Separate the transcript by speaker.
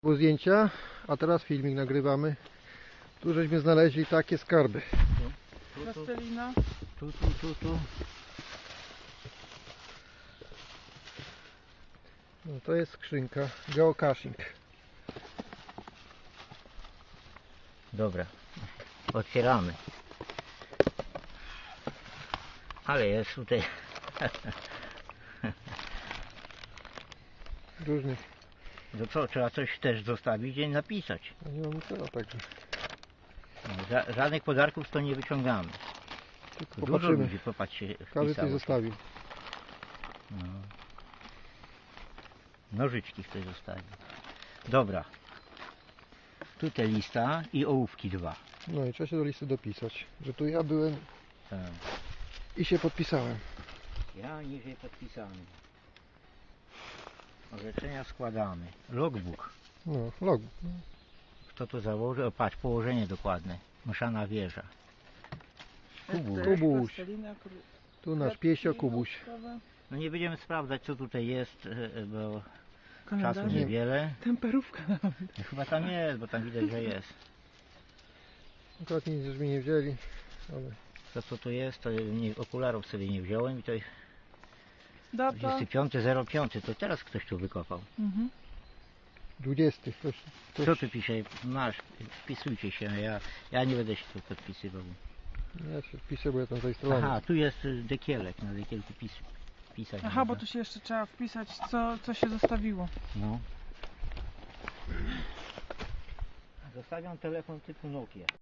Speaker 1: Było zdjęcia, a teraz filmik nagrywamy. Tu żeśmy znaleźli takie skarby.
Speaker 2: Plastelina.
Speaker 3: Tu.
Speaker 1: No, to jest skrzynka geocaching.
Speaker 3: Dobra, otwieramy. Ale jest tutaj
Speaker 1: Różnych.
Speaker 3: no co, trzeba coś też zostawić i napisać.
Speaker 1: No, nie mam co, także
Speaker 3: No, żadnych podarków to nie wyciągamy.
Speaker 1: tylko
Speaker 3: Dużo
Speaker 1: popatrzymy.
Speaker 3: ludzi, popatrzcie,
Speaker 1: Każdy coś
Speaker 3: wpisało.
Speaker 1: zostawił.
Speaker 3: No. Nożyczki ktoś zostawił. Dobra. Tutaj lista i ołówki 2.
Speaker 1: No i trzeba się do listy dopisać, że tu ja byłem
Speaker 3: Tak.
Speaker 1: i się podpisałem.
Speaker 3: Ja niżej podpisany. Orzeczenia składamy. Logbook.
Speaker 1: No, log.
Speaker 3: Kto to założy? O, patrz, położenie dokładne. Mszana wieża. Kubuś.
Speaker 1: Kubuś.
Speaker 2: Plastelina,
Speaker 1: Tu nasz piesio Kubuś.
Speaker 3: No nie będziemy sprawdzać, co tutaj jest, bo czasu
Speaker 2: Kalendarz.
Speaker 3: niewiele.
Speaker 2: Temperówka nawet.
Speaker 3: No, chyba tam jest, bo tam widać, że jest.
Speaker 1: Akurat nic żeśmy nie wzięli, ale
Speaker 3: To co to jest, to nie, okularów sobie nie wziąłem i to jest
Speaker 2: Data.
Speaker 3: 25.05, to teraz ktoś tu wykopał.
Speaker 1: 20.
Speaker 3: Co tu pisze? Masz, wpisujcie się, ja nie będę się tu podpisywał.
Speaker 1: Ja się wpiszę, bo ja tam zarejestrowany.
Speaker 3: Aha, tu jest dekielek, na dekielku pisać.
Speaker 2: Aha, bo
Speaker 3: można.
Speaker 2: tu się jeszcze trzeba wpisać, co się zostawiło.
Speaker 3: No. Zostawiam telefon typu Nokia.